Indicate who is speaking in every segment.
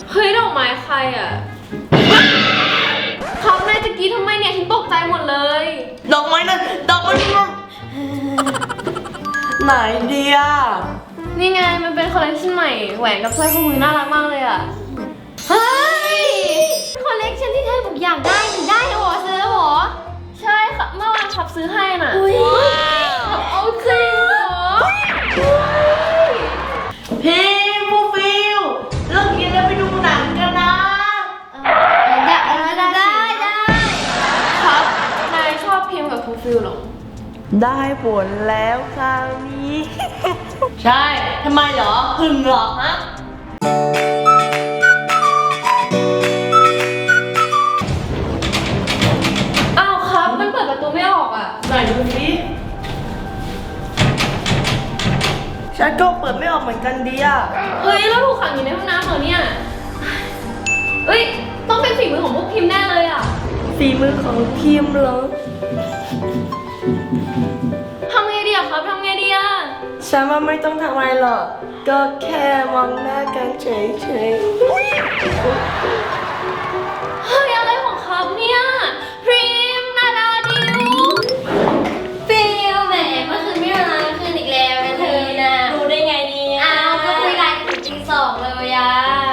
Speaker 1: เฮ้ยดอกไม้ใครอ่ะครับนายจะกรีดทำไมเนี่ยฉันตกใจหมดเลย
Speaker 2: ดอกไม้นั่นดอกไม้นั่นไหนเดีย
Speaker 1: นี่ไงมันเป็นคอลเลคชันใหม่แหวนกับสร้อยข้อมือน่ารักมากเลยอ่ะเฮ้ยคอลเลคชันที่เธอบอกอยากได้หนูได้เหรอซื้อแล้วเหรอใช่ค่ะเมื่อวานขับซื้อให้น่ะขับเอาจริงเหรอ
Speaker 2: พี่ฟูฟิลเลิกกินแล้วไปดูหนังกันนะ
Speaker 1: ได้ครับนายชอบพิมพ์กับฟูฟิลหรอ
Speaker 2: ได้ผลแล้วคราวนี้ใช่ทำไมเหรอหึงเหรอฮะ
Speaker 1: อ้าวครับมันเปิดประตูไม่ออกอ่ะ
Speaker 2: ไหนดูสิฉันก็เปิดไม่ออกเหมือนกันดีอ่ะ
Speaker 1: เฮ้ยแล้วถูกขังอยู่ในห้องน้ำเหรอเนี่ยเอ้ยต้องเป็นฝีมือของพวกพิมพ์แน่เลยอ่ะ
Speaker 2: ฝีมือของพิมพ์เหรอ
Speaker 1: ทำไงดีอะครับทำไงดีอะ
Speaker 2: ฉันว่าไม่ต้องทำอะไรหรอกก็แค่มองหน้ากันเฉยๆ
Speaker 1: เฮ้ยอะไรของครับเนี่ยพริมนาดาดิวฟิลแหมเมื่อคืนไม่มาคืนอีกแล้วนะเธอน่ะ
Speaker 2: รู้ได้ไงเนี่ย
Speaker 1: อ้าวก็คุยไลน์ถึงตี 2เลยอะ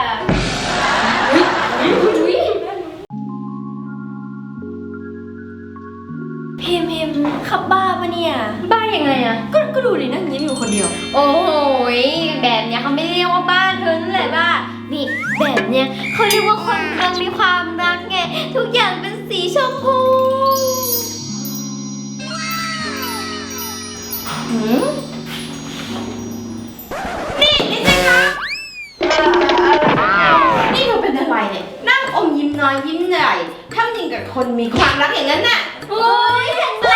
Speaker 1: พิมขับบ้าปะเนี่ยบ้ายังไงอะก็ดูดินั่งยิ้มอยู่คนเดียวโอ้โหแบบเนี้ยเขาไม่เรียกว่าบ้าเธอนั่นแหละบ้านี่แบบเนี้ยเขาเรียกว่าคนกำลังมีความรักไงทุกอย่างเป็นสีชมพู
Speaker 3: นี่สิคะนี่เธอเป็นอะไรเนี่ยนั่งอมยิ้มน้อยยิ้มใหญ่ทำอย่างกับคนมีความรักอย่างนั้นน่ะ
Speaker 1: โอ้ยเห็นไหม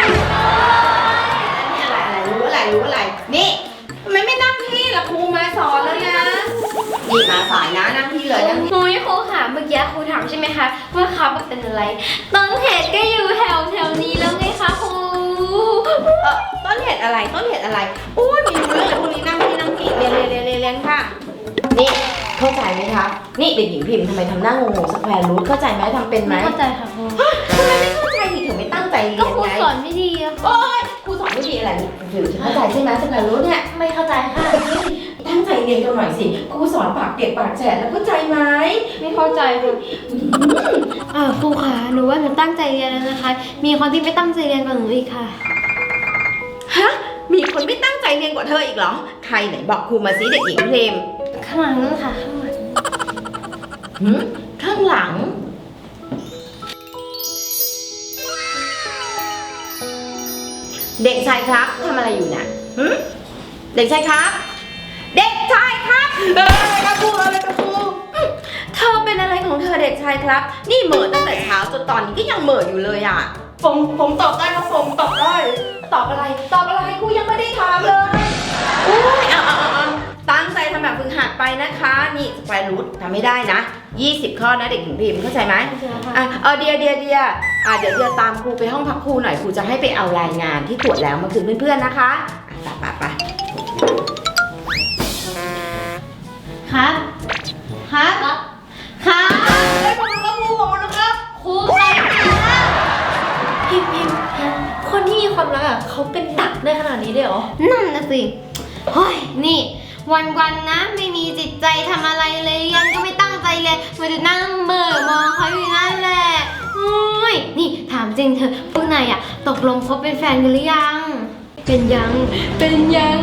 Speaker 3: อะไรรู้อะไรนี่ทำไมไม่นั่งที่ล่ะครูมาสอนแล้วนะนี่มาสายนะนั่งที่เลยนั่งที่
Speaker 1: ครูค่ะเมื่อกี้ครูถามใช่ไหมคะว่าครับเป็นอะไรต้นเหตุก็อยู่แถวนี้แล้วไงคะครู
Speaker 3: ต้นเหตุอะไรอุ้ยมีเรื่องอะไรพวกนี้นั่งที่เรียนค่ะนี่เข้าใจไหมคะนี่เด็กหญิงพิมพ์ทำไมทำหน้างงสแควร์รูทเข้าใจไหมทำเป็นไหม
Speaker 1: เข้าใจค่ะครู
Speaker 3: ทำไมไม่เข้าใจดิเธอไม่ตั้งใจเรียนไงก็
Speaker 1: ครูสอนไม่ดีอะ
Speaker 3: โอ๊ยครูสอนไม่ดีอะไรถือเข้าใจใช่ไหมสแควร์รูทเนี่ย
Speaker 1: ไม่เข้าใจค่ะ
Speaker 3: ตั้งใจเรียนกันหน่อยสิครูสอนปากเก็บปากแฉะแล้วเข้าใจไหม
Speaker 1: ไม่เข้าใจค่ะครูค่ะหนูว่าหนูตั้งใจเรียนแล้วนะคะมีคนที่ไม่ตั้งใจเรียนกว่าหนูอีกค่ะ
Speaker 3: ฮะมีคนไม่ตั้งใจเรียนกว่าเธออีกเหรอใครไหนบอกครูมาสิเด็กหญิงเพลม
Speaker 1: ข้างหลังนั่นค่ะ
Speaker 3: ข้างหลังเด็กชายครับทำอะไรอยู่น่ะเด็กชายครับเด็กชายครับครับครูเธอเป็นอะไรของเธอเด็กชายครับนี่เหม่อตั้งแต่เช้าจนตอนนี้ก็ยังเหม่ออยู่เลยอ่ะ
Speaker 2: ผมตอบได้ครับผมตอบได้
Speaker 3: ตอบอะไรครูยังไม่ได้ถามเลยอุ้ยเอาตั้งใจทำแบบฝึกหัดไปนะคะนี่สแควร์รูททำไม่ได้นะ20 ข้อนะเด็กหญิงพิมพ์เข้าใจไหมเดียเดี๋ยวเดียตามครูไปห้องพักครูหน่อยครูจะให้ไปเอารายงานที่ตรวจแล้วมาคืนเพื่อนๆนะคะไป
Speaker 1: ครับ
Speaker 2: ได้ผลแล้วครูบอกนะครับ
Speaker 1: ครูไปพิมคนที่มีความรักอ่ะเขาเป็นดักได้ขนาดนี้ได้หรอนั่นนะสิเฮ้ยนี่วันนะไม่มีจิตใจทำอะไรเลยเรียนก็ไม่ตั้งใจเลยมันจะนั่งเบื่อมองเขาอยู่นั่นแหละนี่ถามจริงเธอพวกนายอ่ะตกลงคบเป็นแฟนกันหรือยังเป็นยัง
Speaker 2: เป็น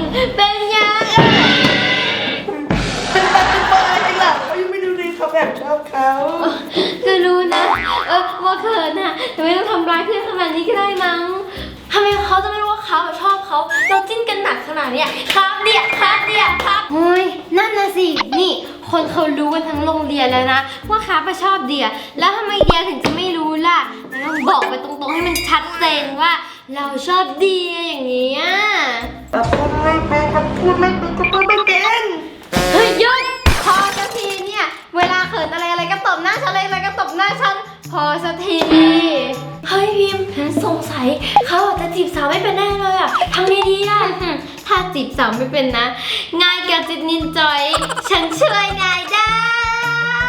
Speaker 2: อะไรจริงล่ะเขายังไม่รู้ดีเขาแบบชอบเขา
Speaker 1: ก็รู้นะว่าเขินน่ะแต่ไม่ต้องทำร้ายเพื่อนขนาดนี้ก็ได้มั้งทำไมเขาจะไม่รู้ว่าเขาชอบเขาเราจิ้นกันหนักขนาดเนี้ยครับเดียเฮ้ยนั่นนะสินี่คนเขารู้กันทั้งโรงเรียนแล้วนะว่าครับชอบเดียแล้วทำไมเดียถึงจะไม่รู้ล่ะต้องบอกไปตรงๆให้มันชัดเจนว่าเราชอบเดียอย่างนี้
Speaker 2: พูดไม่เป็น
Speaker 1: เฮ้ยหยุดพอสักทีเนี่ยเวลาเขินอะไรก็ตบหน้าฉันอะไรก็ตบหน้าฉันพอสักทีเฮ้ยพิมสงสัยเขาอาจจะจีบสาวไม่เป็นแน่เลยอ่ะทำไงดีอ่ะถ้าจีบสาวไม่เป็นนะง่ายกับจิตนินจอยฉันช่วยนายได้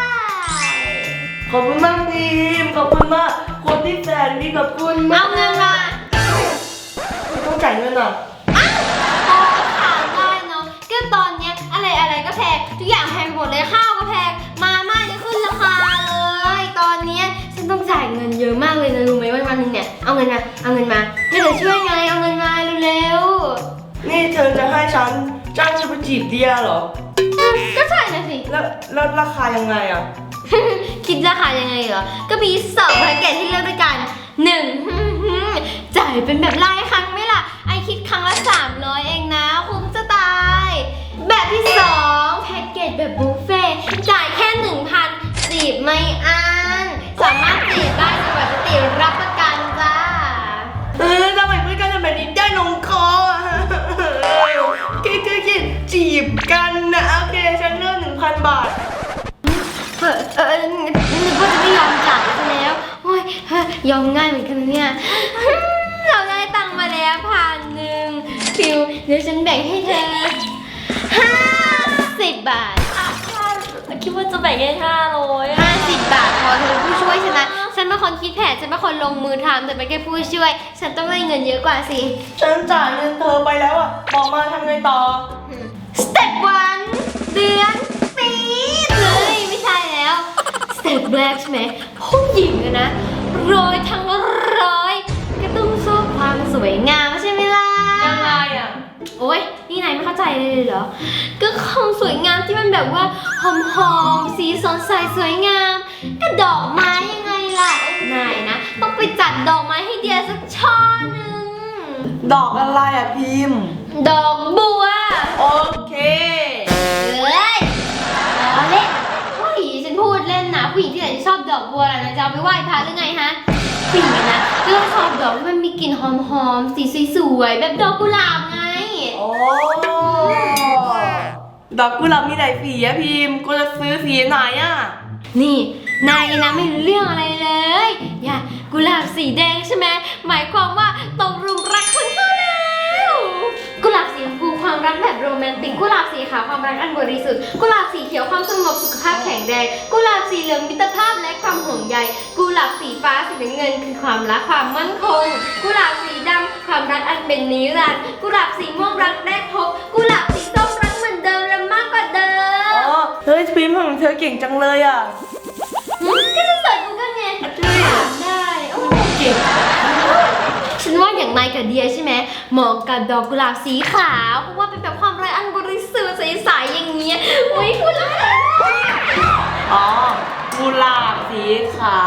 Speaker 2: ขอบคุณมากพิมพ์ขอบคุณมากคนที่แสนดีขอบคุณมา
Speaker 1: เอา
Speaker 2: ก
Speaker 1: เงินมา
Speaker 2: ต้องจ่ายเงินอ่ะ
Speaker 1: พอถามได้เนาะก็ตอนเนี้ยอะไรก็แพงทุกอย่างแพงหมดเลยข้าวก็แพงมาม่าจะขึ้นราคาเลยตอนเนี้ยฉันต้องจ่ายเงินเยอะมากเลยนะรู้ไหมวันนึงเนี่ยเอาเงินมาให้เธอช่วยไงเอาเงินมาเร็ว
Speaker 2: นี่เธอจะให้ฉันจ้างฉันไปจีบเดียเหรอ
Speaker 1: ๆก็ใช่นะสิ
Speaker 2: แล้วราคายังไงอ่ะ
Speaker 1: คิดราคายังไงเหรอก็มี2แพ็กเกจให้เลือกด้วยกัน1จ่ายเป็นแบบรายครั้งไหมล่ะไอคิดครั้งละ300เองนะคุ้มจะตายแบบที่2แพ็กเกจแบบบุฟเฟ่ต์จ่ายแค่ 1,000 จีบไม่อั้นสามารถจีบได้จนกว่าจะติดรับประกันจ้า
Speaker 2: ทำไมเพื่อนกันทำแบบนี้ได้ลงคออ่ะคิดจีบกันนะโอเคฉันเลือก 1,000 บาท
Speaker 1: นึกว่าจะไม่ยอมจ่ายซะแล้วโอ้ยยอมง่ายเหมือนกันนะเนี่ย เราได้ตังค์มาแล้ว1,000ฟิวเดี๋ยวฉันแบ่งให้เธอ50 บาท
Speaker 4: คิดว่าจะแบ่งแค่500
Speaker 1: 50 บาทพอเธอเป็นผู้ช่วยฉันนะฉันเป็นคนคิดแผนฉันเป็นคนลงมือทำแต่เป็นแค่ผู้ช่วย ฉันต้องได้เงินเยอะกว่าสิ
Speaker 2: ฉันจ่ายเงินเธอไปแล้วอ่ะบอกมาทำไงต่อ
Speaker 1: สเต็ป1เดือนปีเลยไม่ใช่แล้วสเต็ปแรกใช่ไหมผู้หญิงอะนะร้อยทั้งร้อยก็ต้องชอบความสวยงามใช่ไหมล่ะ
Speaker 2: ยังไงอ่ะ
Speaker 1: โอ๊ยนี่นายไม่เข้าใจเลยเหรอก็ความสวยงามที่มันแบบว่าหอมๆสีสดใสสวยงามก็ดอกไม้ยังไงล่ะนายนะต้องไปจัดดอกไม้ให้เดียสักช่อหนึ่ง
Speaker 2: ดอกอะไรอ่ะพิมพ์
Speaker 1: ดอกบัว
Speaker 2: โอเค
Speaker 1: เอ้ยเอาเล่นผู้หญิงฉันพูดเล่นนะผู้หญิงที่ไหนจะชอบดอกบัวล่ะนะจะเอาไปไหว้พระหรือไงฮะผู้หญิงนะก็ต้องชอบดอกที่มันมีกลิ่นหอมๆสีสวยๆแบบดอกกุหลาบไง
Speaker 2: โอ้ดอกกุหลาบมีหลายสีอะพิมพ์กูจะซื้อสีไหนอะ
Speaker 1: นี่นายนะไม่รู้เรื่องอะไรเลยอย่ากุหลาบสีแดงใช่ไหมหมายความว่าตกหลุมรักคนเขาแล้วกุหลาบสีชมพูความรักแบบโรแมนติกกุหลาบสีขาวความรักอันบริสุทธิ์กุหลาบสีเขียวความสงบสุขภาพแข็งแรงกุหลาบสีเหลืองมิตรภาพและความห่วงใยกุหลาบสีฟ้าสีน้ำเงินคือความรักความมั่นคงกุหลาบสีดำความรักอันเป็นนิรันดร์กุหลาบสีม่วงรักแรกพบกุหลาบสีส้มรักเหมือนเดิมและมากกว่าเดิม
Speaker 2: อ๋อเฮ้ยพิมพ์ของเธอเก่งจังเลยอะ
Speaker 1: ก็จะเสิร์ชกูกันไงได้โอ้เก่งฉันว่าอย่างนายกับเดียใช่ไหมเหมาะกับดอกกุหลาบสีขาวเพราะว่าเป็นแบบความไร้อันบริสุทธิ์ใสๆอย่างเงี้ยอุ้ยพูดแล้ว
Speaker 2: อ๋อกุหลาบสีขาว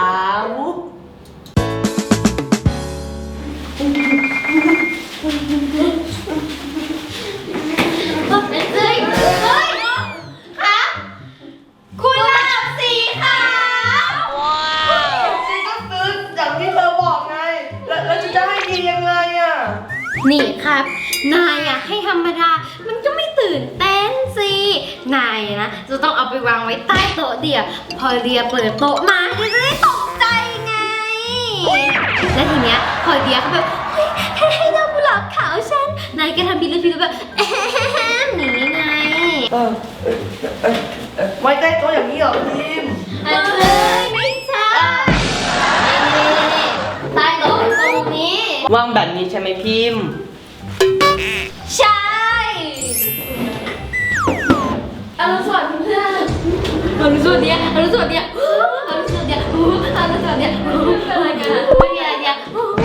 Speaker 1: เฮ้ยคะกุหลาบสีขาว
Speaker 2: ฉันก็ซื้ออย่างที่เธอบอกไง แล้วจะให้ดียังไงอะ
Speaker 1: นี่ครับนายอะให้ธรรมดามันก็ไม่ตื่นเต้นสินายอะนะจะต้องเอาไปวางไว้ใต้โต๊ะเดียพอเดียเปิดโต๊ะมาเดียจะได้ตกใจไงและทีเนี้ยพอเดียเขาแบบเฮ้ยให้ดอกกุหลาบขาวฉันนายก็ทำบิลลี่แบบแอะหนีไง
Speaker 2: ไว้ใต้โต๊ะอย่างนี้เหรอพิมพ์
Speaker 1: เอ้ยไม่ใช่นี่ใต้โต๊ะตรงนี้
Speaker 2: วางแบบนี้ใช่ไหมพิมพ์
Speaker 1: ใช่อรุณสวัสดิ์เพื่อนอรุณสวัสดิ์อรุณสวัสดิ์อรุณสวัสดิ์อรุณสวัสดิ์อะไรกันไม่มีอะไรเนี่ย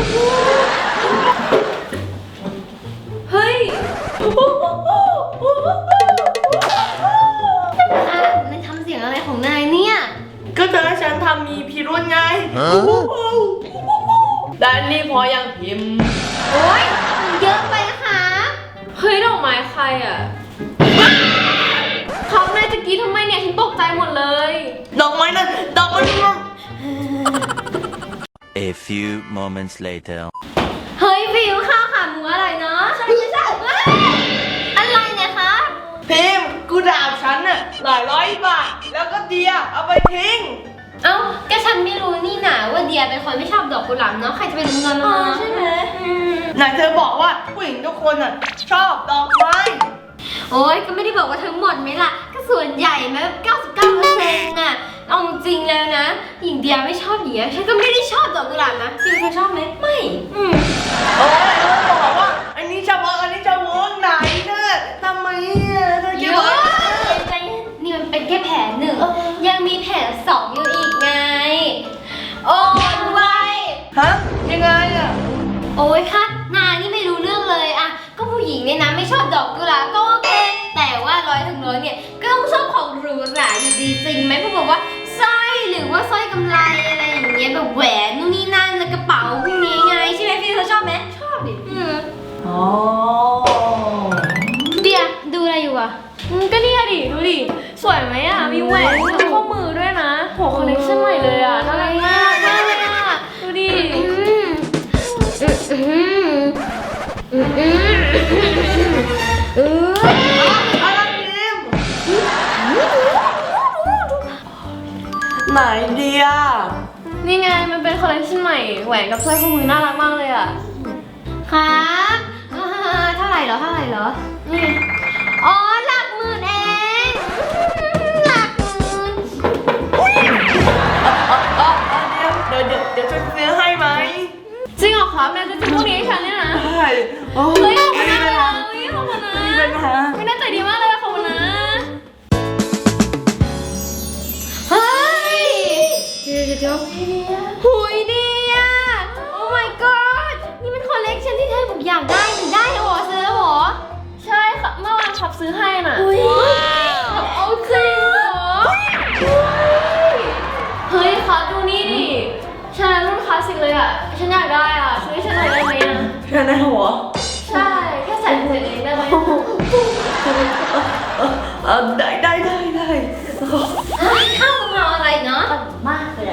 Speaker 1: เฮ้ยนายทำเสียงอะไรของนายเนี่ย
Speaker 2: ก็เธอให้ฉันทำมีพิรุธไงด้านนี้พอยังพิมพ์
Speaker 1: โอ๊ยมันเยอะไปนะคะ
Speaker 4: เฮ้ยดอกไม้ใครอ่ะเขาในตะกี้ทำไมเนี่ยฉันตกใจหมดเลย
Speaker 2: ดอกไม้นั่นดอกไม้นั่น
Speaker 5: A few moments later.
Speaker 1: เฮ้ยฟิวข้าวขาหมูอร่อยเนาะใช่อะไรเนี่ยคะ
Speaker 2: พิมพ์กูด่าฉันน่ะหลายร้อยบาท แล้วก็เดียเอาไปทิ้ง
Speaker 1: เอ้าก็ฉันไม่รู้นี่นะว่าเดียเป็นคนไม่ชอบดอกกุหลาบเนาะใครจะไปรู้เงินมาใช่ไหม
Speaker 2: ไหนเธอบอกว่าผู้หญิงทุกคนน่ะชอบดอกไม้
Speaker 1: โอ้ยก็ไม่ได้บอกว่าทั้งหมดไหมล่ะก็ส่วนใหญ่ไหมแบบ99%น่ะเอาจริงแล้วนะ หญิงเดียไม่ชอบหญิงฉันก็ไม่ได้ชอบดอกกุหลาบนะจิวเธอชอบไหมไม่
Speaker 2: โอ้ยเขาบอกว่าอันนี้จะเวิร์กอันนี้จะเวิร์กไหนเนี่ยทำไมอ่ะเธอ
Speaker 1: เย
Speaker 2: คิด
Speaker 1: อะ
Speaker 2: ว่า
Speaker 1: ใจเย็นนี่มันเป็นแค่แผนหนึ่ง ยังมีแผนสองอยู่อีกไง โอ้ยไว
Speaker 2: ฮะยังไงอ่ะ
Speaker 1: โอ้ยค่ะนานี่ไม่รู้เรื่องเลยอะก็ผู้หญิงเนี่ยนะไม่ชอบดอกกุหลาบก็โอเค แต่ว่า100 เนี่ยก็ต้องชอบของหรูหราอยู่ดีจริงไหมพวกบอกว่าสร้อยหรือว่าสร้อยกำไลอะไรอย่างเงี้ยแบบแหวนนู่นนี่นั่นแล้วกระเป๋าพวกนี้ไงใช่ไหมพี่เธอชอบไหมชอบดิ
Speaker 2: อ๋อ
Speaker 1: เดียดูอะไรอยู่อะ
Speaker 4: ก็เนี่ยดิ ดูดิ สวยไหมอ่ะ มีแหวนมีข้อมือด้วยนะโหคอลเลคชั่นใหม่เลยอ่ะน่ารักมากน่ารักอ่ะดูดิ
Speaker 2: อะไรพิมไหนเดีย
Speaker 4: นี่ไงมันเป็นคอลเลคชั่นใหม่ แหวนกับสร้อยข้อมือน่ารักมากเลยอ่ะ
Speaker 1: ครับเท่าไหร่เหรอนี่อ๋อหลักหมื่นเองหลักหมื่น
Speaker 2: เดี๋ยวช่วยซื้อให้ไหม
Speaker 4: จริงเหรอครับแม่จะซื้อพวกนี้ให้ฉันเนี่ยนะ
Speaker 2: ได้โอ้
Speaker 4: เฮ้ย
Speaker 2: ย
Speaker 4: ขอบคุณ
Speaker 2: ไม่
Speaker 4: มาก
Speaker 2: เป็น
Speaker 4: เลย
Speaker 2: ไร
Speaker 4: อ่ะเฮ้ยขอบคุณนะ
Speaker 2: ไม่เป็นไร
Speaker 4: ไม่น่าใจดีมากเลยขอบคุณนะ
Speaker 1: เฮ้ยเดี๋ยวหุยดีอ่ะ โอ้ my god นี่มันคอลเลกชันที่เธอบอกอยากได้ถึงได้เหรอซื้อแล้วเหรอ
Speaker 4: ใช่ค่ะเมื่อวานขับซื้อให้น่ะ
Speaker 1: อุ้ย
Speaker 4: เอาจริงเหรอเฮ้ยครับดูนี่ดิฉันรุ่นคลาสสิกเลยอ่ะ ฉันอยากได้อ่ะซื้อให้ฉันหน่อยได้ไหมอ่ะ
Speaker 2: แค่ในหัว
Speaker 4: ใช่ แค่ใส่เองได้ไหม
Speaker 2: ได้
Speaker 1: เข้ามาอะไรเนาะมากเลย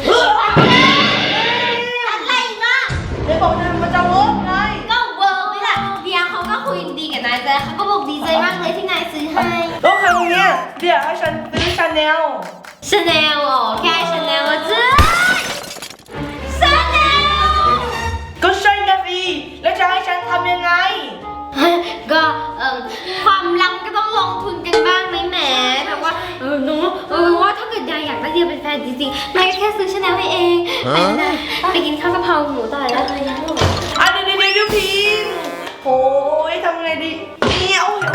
Speaker 1: อะไรเนาะ
Speaker 2: เดี๋ยวบอกมันจะเวิร์กไง
Speaker 1: ก็เวิร์กไหมล่ะเดียเขาก็คุยดีกับนายแต่เขาก็บอกดีใจมากเลยที่นายซื้อให้
Speaker 2: แล้วครั้งเนี้ยเดี๋ยวให้ฉันซื้อชาแนล
Speaker 1: ชาแนลอ๋อแค่ชาแนลจ้าชาแนล
Speaker 2: ก็ใช่นะสิแล้วจะให้ฉันทำยังไง
Speaker 1: ก็ความรักก็ต้องลงทุนกันบ้างไหมแหมแบบว่าหนูว่าถ้าเกิดยายอยากได้เดียเป็นแฟนจริงๆนายก็แค่ซื้อชาแนลให้เองไปกินข้าวกะเพราหมูต่อแล้วเลยยังไม่หมด
Speaker 2: เดี๋ยวพิมพ์โอ้ยทำไงดีเนี่ยโอ้ย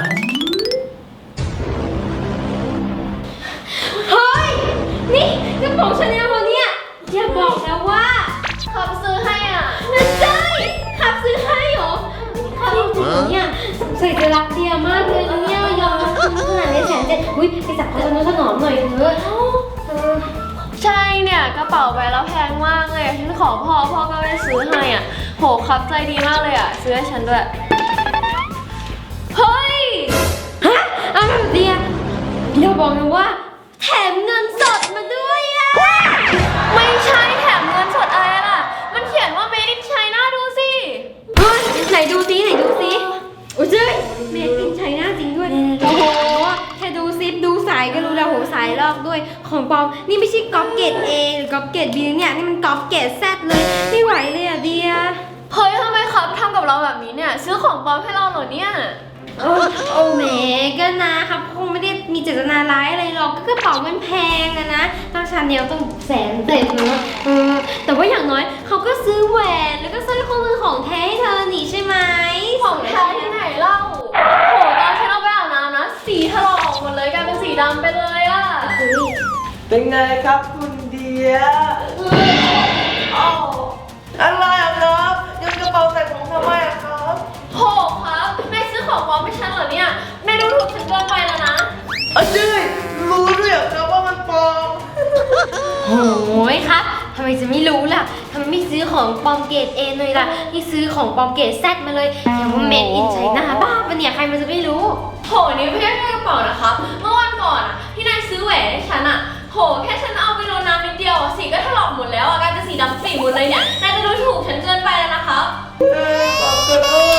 Speaker 1: เฮ้ยนี่กระเป๋าชาแนลเราเนี่ยอย่าบอกนะว่า
Speaker 4: ขับซื้อให้อ่ะ
Speaker 1: นั่นใช่ขับซื้อให้เหรอขับจริงๆเนี่ยใส่จะรักเดียมากเลยนะเนี่ยยอมรับคุณขนาดนี้170,000อุ้ยไปจับเขาจะถนอมหน่อยเถอะ
Speaker 4: ใช่เนี่ยกระเป๋าใบแล้วแพงมากเลยฉันขอพ่อก็ไม่ซื้อให้อ่ะโหครับใจดีมากเลยอ่ะซื้อให้ฉันด้วยเฮ้ย
Speaker 1: ฮะอะไรเดียอย่าบอกนะว่าแถมเงินสดมาด้วยอะ
Speaker 4: ไม่ใช่แถมเงินสดอะไรล่ะมันเขียนว่า made in China ดูสิ
Speaker 1: เฮ้ยไหนดูซิโอ้ยเจ้ยเมดอินไชน่าจริงด้วยโอ้โหแค่ดูซิดูสายก็รู้แล้วโหสายลอกด้วยของปลอมนี่ไม่ใช่ก๊อปเกรด A หรือก๊อปเกรด B เนี่ยนี่มันก๊อปเกรด Z เลยไม่ไหวเลยอะเดีย
Speaker 4: เฮ้ยทำไมครับทำกับเราแบบนี้เนี่ยซื้อของปลอมให้เราเหรอเนี่ย
Speaker 1: โอ้แหมก็นะครับคงไม่ได้มีเจตนาร้ายอะไรหรอกก็กระเป๋ามันแพงอะนะต้องชาแนลต้อง100,000นะแต่ว่าอย่างน้อยเขาก็ซื้อแหวนแล้วก็สร้อยข้อมือของแท้ให้เธอนี่ใช่ไหม
Speaker 4: ของแท้ที่ไหนเล่าโหตอนฉันเอาไปอาบน้ำนะสีถลอกออกหมดเลยกลายเป็นสีดำไปเลยอ่ะ
Speaker 2: เป็นไงครับคุณเดียอ้าวอะไรอ่ะครับยังกระเป๋าใส่ของทำไมอ่ะครับ
Speaker 4: โหครับแม่ซื้อของปลอมให้ฉันเหรอเนี่ยแม่ดูถูกฉันเกินไปแล้วนะ
Speaker 2: เจ้ยรู้ด้วยเหรอครับว่ามันปลอม
Speaker 1: โอ้ยครับทำไมจะไม่รู้ล่ะทำไมไม่ซื้อของปลอมเกรด A เลยล่ะที่ซื้อของปลอมเกรด Z มาเลยอย่างว่าเมดอินไชน่าบ้าปะเนี่ยใครมันจะไม่รู้
Speaker 4: โหนี่ไม่ใช่แค่กระเป๋านะครับ เมื่อวันก่อนอ่ะที่นายซื้อแหวนให้ฉันอ่ะโหแค่ฉันเอาไปโดนน้ำนิดเดียวอ่ะสีก็ถลอกหมดแล้วอ่ะกลายเป็นสีดำปีหมดเลยเนี่ยนายจะดูถูกฉันเกินไปแล้วนะครับ
Speaker 2: ขอบคุณมาก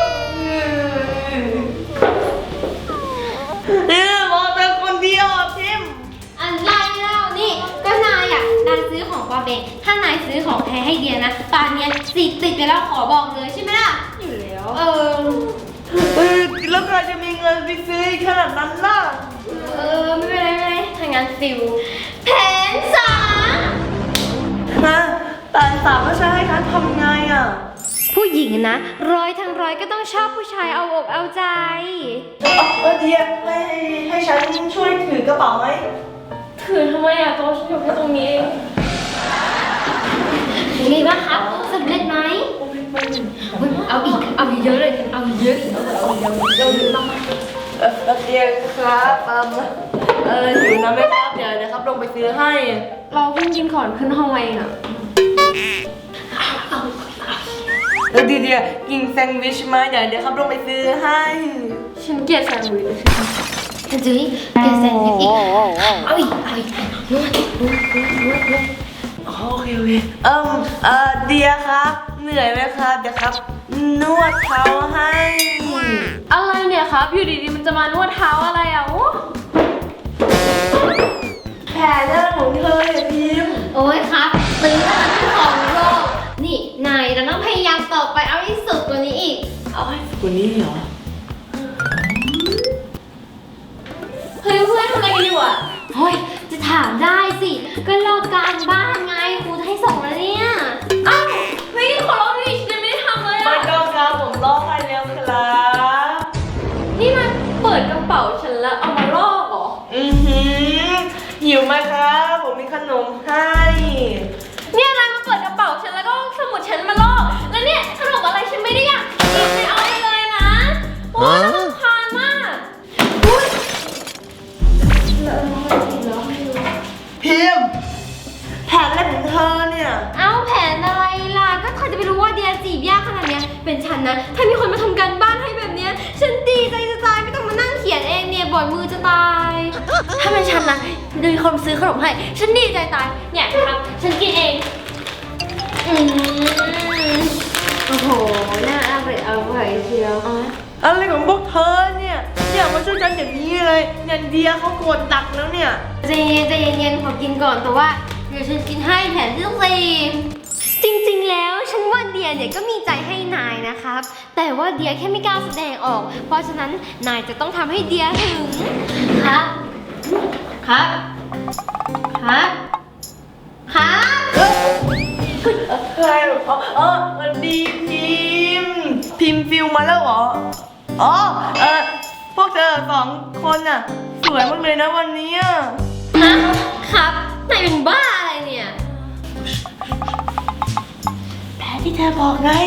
Speaker 2: บอกแต่คนเดียวอ่ะพิมพ์
Speaker 1: อะไรเล่านี่ก็นายอ่ะนายซื้อของปลอมเองถ้านายซื้อของแท้ให้เดียนะตอนเนี้ยสีติดไปแล้วขอบอกเลยใช่ไหมล่ะ
Speaker 4: อยู่แล้ว
Speaker 2: แล้วใครจะมีเงินไปซื้อขนาดนั้นล่ะ
Speaker 1: ไม่เป็นไรถ้างั้นนฟิลแผนสาม
Speaker 2: นะแต่สามว่าฉันให้ฉันทำไงอ่ะ
Speaker 1: ผู้หญิงนะร้อยทั้งร้อยก็ต้องชอบผู้ชายเอาอกเอาใจ
Speaker 2: เดียให้ฉันช่วยถือกระเป๋าไหม
Speaker 4: ถือทำไมอ่ะตัวฉันอยู่แค่ตรงนี้เอง
Speaker 1: ยังไงบ้างครับสำเร็จไหมเอาอีกเอาเยอะเลยเอาเยอะเอาเยอะมาก
Speaker 2: เดียครับอยู่นะแม่ครับเดี๋ยวครับลงไปซื้อให้
Speaker 4: เราเพิ่งกินก่อนขึ้นห้องมาเองอ่ะ
Speaker 2: เดียกินแซนด์วิชมาเดี๋ยวครับลงไปซื้อให้
Speaker 4: ฉันเกลียดแซนด์วิช
Speaker 1: จุ้ยแกแซนด์วิชอีกเอาอีกนวด
Speaker 2: โอเคเดียครับเหนื่อยไหมครับเดี๋ยวครับนวดเท้าให้
Speaker 4: อะไรเนี่ยครับ อยู่ดีๆมันจะมานวดเท้าอะไรอ่ะโอ้
Speaker 2: แผลหน้าของเธอเนี่ยพิมพ์
Speaker 1: โอ้ยครับตื้อขนาดที่ของโลกนี่นายเราต้องพยายามต่อไปเอาให้สุดกว่านี้อีก
Speaker 2: เอาให้กว่านี้เหรอ
Speaker 4: เฮ้ยเพื่อนทำอะไรกันอยู่อ่ะ
Speaker 1: เฮ้ยจะถามได้สิก็ลอกการบ้านไงครูให้ส่งแล้วเนี่ย
Speaker 4: อ้าวเฮ้ยขอร้องดิฉันยังไม่ได้ทำเลย
Speaker 2: ไม่
Speaker 4: อ่ะ
Speaker 2: ต้องครับผมรอให้แล้วครับ
Speaker 4: นี่มันเปิดกระเป๋าฉันแล้วเอามาลอกเหรอ
Speaker 2: หิวไหมครับผมมีขนมให้
Speaker 4: เนี่ยนายมาเปิดกระเป๋าฉันแล้วก็สมุดฉันมาลอก แล้วเนี่ยขนมอะไรฉันไม่ได้อยากกินไม่เอาไปเลยนะ โอ้ยน่ารำคาญมาก
Speaker 2: พิมพ์แผนอะไรของเธอเนี่ย
Speaker 1: เอาแผนอะไรล่ะก็ใครจะไปรู้ว่าเดียจีบยากขนาดเนี้ยเป็นฉันนะถ้ามีคนมาทำการบ้านให้แบบเนี้ยฉันดีใจจะตายไม่ต้องมานั่งเขียนเองเนี่ยบ่อยมือจะตาย ถ้าเป็นฉันนะมีคนซื้อขนมให้ฉันดีใจตายเนี่ยครับฉันกินเองโอ้โหน่าอร่อยเชียว
Speaker 2: อะไรของพวกเธอเนี่ยมาช่วยฉันอย่างนี้เลยเนี่ยเดียเขาโกรธตักแล้วเนี่ย
Speaker 1: ใจเย็นขอกินก่อนแต่ว่าเดี๋ยวฉันกินให้แผนที่ต้องสี่จริงๆแล้วฉันว่าเดียเนี่ยก็มีใจให้นายนะครับแต่ว่าเดียแค่ไม่กล้าแสดงออก เพราะฉะนั้นนายจะต้องทำให้เดียหึงครับ
Speaker 2: ใครหรอมันดีพิมพ์ฟิลมาแล้วเหรอพวกเธอสองคนน่ะสวยมากเลยนะวันนี้
Speaker 1: ครับนายเป็นบ้าอะไรเนี่ย
Speaker 2: แผนที่เธอบอกไง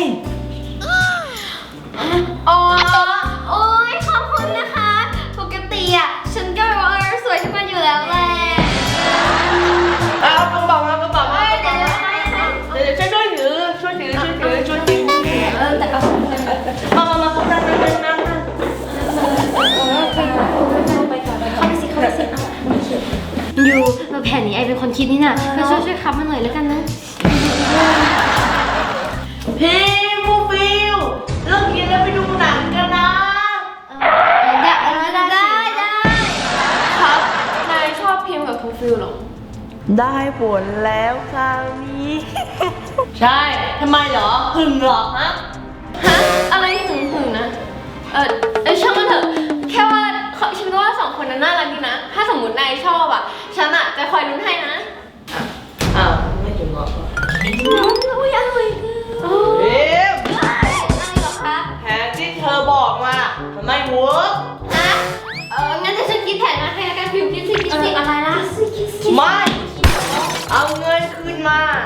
Speaker 1: อ๋อโอ๊ยขอบคุณนะคะปกติอ่ะฉันก็แบบว่าสวยขึ้นมาอยู่แล้วแหละ
Speaker 2: เอากระเป๋ามา
Speaker 1: เดี๋ยว
Speaker 2: เดี๋ยวช่วยถือ
Speaker 1: แต่เอา
Speaker 2: มานั่ง
Speaker 1: เข้าไปสิอยู่แผนนี้ไอเป็นคนคิดนี่น่ะก็ช่วยคับมาหน่อยแล้วกันนะ
Speaker 2: พิมพ์ฟูฟิลเลิกกินแล้วไปดูหนังกันนะ
Speaker 1: ได้
Speaker 4: ครับ นายชอบพิมพ์กับทูฟิลเหรอ
Speaker 2: ได้ผลแล้วคราวนี้ ใช่ทำไมเหรอหึงเหรอฮะ
Speaker 4: ฮะ อะไรหึงนะ ช่างมันเถอะ แค่ว่าฉันว่าสองคนนั้นน่ารักดีนะ ถ้าสมมตินายชอบอ่ะ ฉันอ่ะจะคอยลุ้นให้นะ
Speaker 2: อ้าวไม่ถึงเหรอ
Speaker 1: อุ้ยอร่อย
Speaker 2: พิมพ์
Speaker 1: อะไรหรอคะ
Speaker 2: แผนที่เธอบอกมาทำไมเวิร์ก
Speaker 1: ฮะงั้นเดี๋ยวฉันคิดแผนมาให้แล้วกันพิมพ์คิดสิอะไรล่ะ
Speaker 2: ไม่เอาเงินคืนมา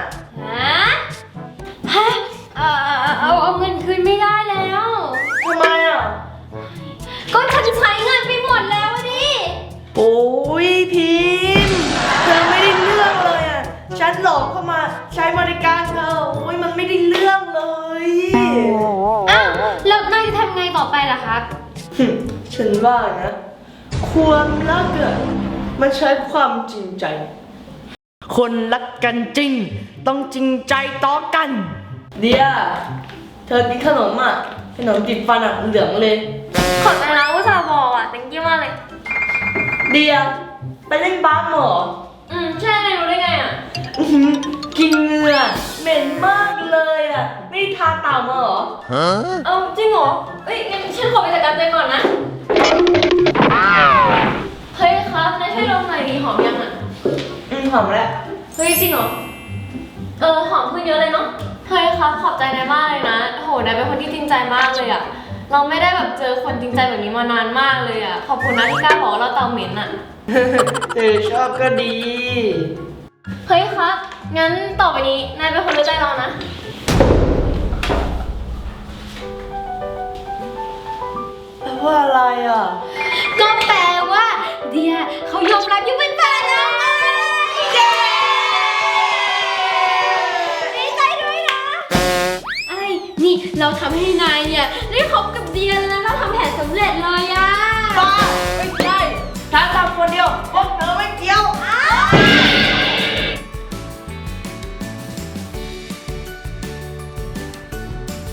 Speaker 1: ฮะเอาเงินคืนไม่ได้แล้ว
Speaker 2: ทำไมอ่ะ
Speaker 1: ก็ฉันใช้เงินไปหมดแล้วดิ
Speaker 2: โอ้ยพิมพ์เธอไม่ได้เรื่องเลยอ่ะฉันหลอกเข้ามาใช้บริการเธอโอ้ยมันไม่ได้เรื่องเลย
Speaker 1: อ้าวแล้วนายจะทำไงต่อไปล่ะครับ
Speaker 2: ฉันว่านะความรักอะมันใช้ความจริงใจ คนรักกันจริง ต้องจริงใจต่อกัน เดียเธอกินขนมอ่ะขนมติดฟันอ่ะเหลืองเลย
Speaker 4: ขอบใจนะอุตส่าห์บอกอ่ะ thank you มากเลย
Speaker 2: เดียไปเล่นบาสเหรอ
Speaker 4: ใช่นายรู้ได้ไงอ่ะ
Speaker 2: อื้อหือกินเหงื่อเหม็นมากเลยอ่ะไม่ได้ทาเต่ามาเหรอ
Speaker 4: เอาจริงเหรอ เอ้ยงั้นฉันขอไปจัดการตัวเองก่อนนะ เฮ้ยครับนายช่วยลองหน่อยดีหอมยังอ่ะ
Speaker 2: อมแล้ว
Speaker 4: เฮ้ยจริงเหรอ หอมขึ้นเยอะเลยเนาะ เฮ้ยครับขอบใจนายมากเลยนะโหนายเป็นคนที่จริงใจมากเลยอะเราไม่ได้แบบเจอคนจริงใจแบบนี้มานานมากเลยอะขอบคุณนะที่กล้าบอกว่าเราเตาเหม็นอะ
Speaker 2: ชอบก็ดี
Speaker 4: เฮ้ยครับ งั้นต่อไปนี้นายเป็นคนรู้ใจเรานะ
Speaker 2: แปลว่าอะไรอ่ะ
Speaker 1: ก็แปลว่าเดียเขายอมรับยังเป็นแฟนแล้วไงเย้ดีใจด้วยนะไอ้นี่เราทำให้นายเนี่ยได้คบกับเดียแล้วนะเราทำแผนสำเร็จเลยอะ
Speaker 2: บ้า ไม่ใช่ฉันทำคนเดียวพวกเธอไม่เกี่ยว